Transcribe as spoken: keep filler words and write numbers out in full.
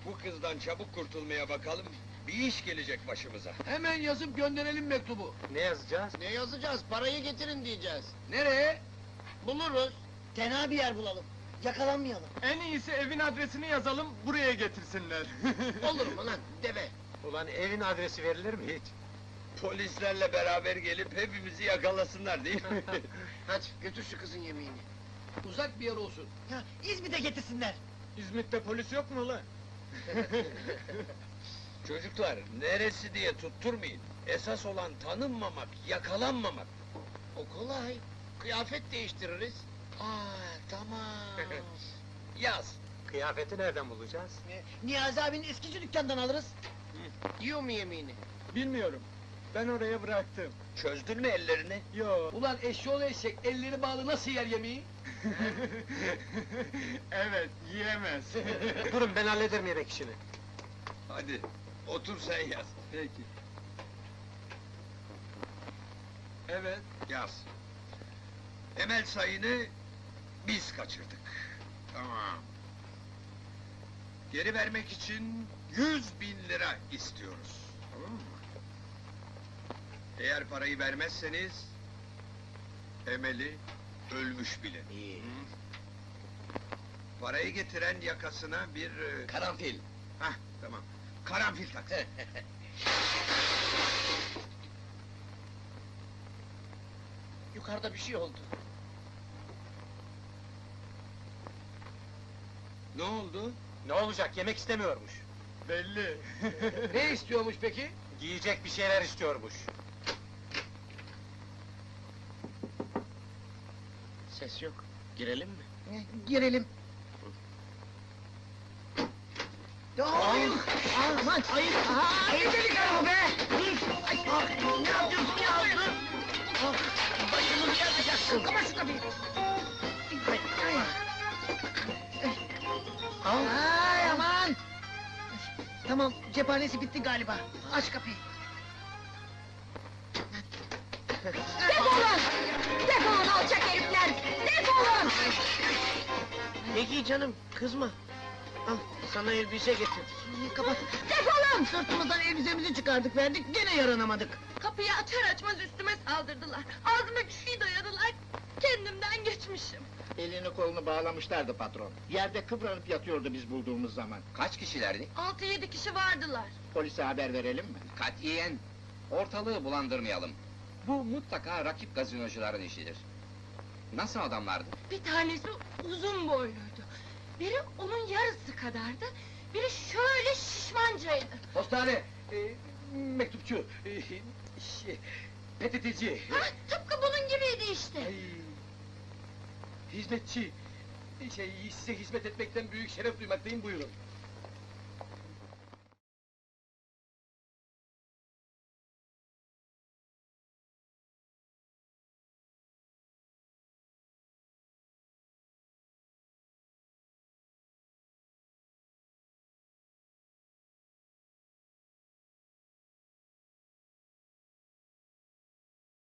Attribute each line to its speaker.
Speaker 1: Bu kızdan çabuk kurtulmaya bakalım, bir iş gelecek başımıza.
Speaker 2: Hemen yazıp gönderelim mektubu.
Speaker 3: Ne yazacağız?
Speaker 4: Ne yazacağız? Parayı getirin diyeceğiz.
Speaker 2: Nereye?
Speaker 4: Buluruz.
Speaker 5: Tenha bir yer bulalım. Yakalanmayalım.
Speaker 3: En iyisi evin adresini yazalım, buraya getirsinler.
Speaker 4: Olur mu lan, deve?
Speaker 3: Ulan evin adresi verilir mi hiç?
Speaker 1: Polislerle beraber gelip hepimizi yakalasınlar değil mi?
Speaker 4: Hadi, götür şu kızın yemeğini.
Speaker 2: Uzak bir yer olsun.
Speaker 5: Ya, İzmit'e getirsinler.
Speaker 3: İzmit'te polis yok mu ulan?
Speaker 1: Çocuklar, neresi diye tutturmayın. Esas olan tanınmamak, yakalanmamak.
Speaker 4: O kolay. Kıyafet değiştiririz.
Speaker 1: Aa, tamam. Yaz.
Speaker 3: Kıyafeti nereden bulacağız?
Speaker 5: Ee, Niyazi abinin eskici dükkandan alırız.
Speaker 4: Yiyor mu yemeğini?
Speaker 3: Bilmiyorum. Ben oraya bıraktım.
Speaker 1: Çözdün mü ellerini?
Speaker 3: Yo.
Speaker 2: Ulan eşşoğlu eşek, elleri bağlı nasıl yer yemeği?
Speaker 3: Evet, yiyemez. Durun, ben hallederim yemek işini.
Speaker 1: Hadi, otur sen yaz.
Speaker 3: Peki. Evet.
Speaker 1: Yaz. Emel Sayın'ı biz kaçırdık. Tamam. Geri vermek için yüz bin lira istiyoruz. Tamam mı? Eğer parayı vermezseniz... Emel'i ölmüş bilin.
Speaker 4: İyi.
Speaker 1: Parayı getiren yakasına bir... e,
Speaker 4: Karanfil.
Speaker 1: Hah, tamam. Karanfil taksın.
Speaker 4: Yukarıda bir şey oldu.
Speaker 1: Ne oldu?
Speaker 3: Ne olacak, yemek istemiyormuş. Belli.
Speaker 2: Ne istiyormuş peki?
Speaker 3: Giyecek bir şeyler istiyormuş.
Speaker 4: Ses yok. Girelim mi?
Speaker 5: Ee, Girelim. Hayır! Aman! Hayır! Hayır delikanlı be! Ay, ah, ne yapıyorsun ya? Dur! Ah, başımızı yakacaksın! Kapat şu kapıyı! Ay, ay. Ay, aman! Tamam, cephanesi bitti galiba. Aç kapıyı.
Speaker 6: Defolun! Defolun alçak herifler! Defolun!
Speaker 4: Peki canım, kızma. Al, sana elbise getirdik.
Speaker 5: Kapat!
Speaker 6: Defolun!
Speaker 5: Sırtımızdan elbisemizi çıkardık, verdik, gene yaranamadık.
Speaker 6: Kapıyı açar açmaz üstüme saldırdılar. Ağzıma bir şey dayadılar. Kendimden geçmişim.
Speaker 7: Elini kolunu bağlamışlardı patron. Yerde kıvranıp yatıyordu biz bulduğumuz zaman.
Speaker 8: Kaç kişilerdi?
Speaker 6: Altı yedi kişi vardılar.
Speaker 7: Polise haber verelim mi?
Speaker 8: Katiyen! Ortalığı bulandırmayalım. Bu mutlaka rakip gazinocuların işidir. Nasıl adamlardı?
Speaker 6: Bir tanesi uzun boyluydu. Biri onun yarısı kadardı. Biri şöyle şişmancaydı.
Speaker 2: Postane, e, mektupçu, e, şey, P T T'ci,
Speaker 6: Ha, tıpkı bunun gibiydi işte.
Speaker 2: ay, hizmetçi. Şey, size hizmet etmekten büyük şeref duymaktayım, buyurun.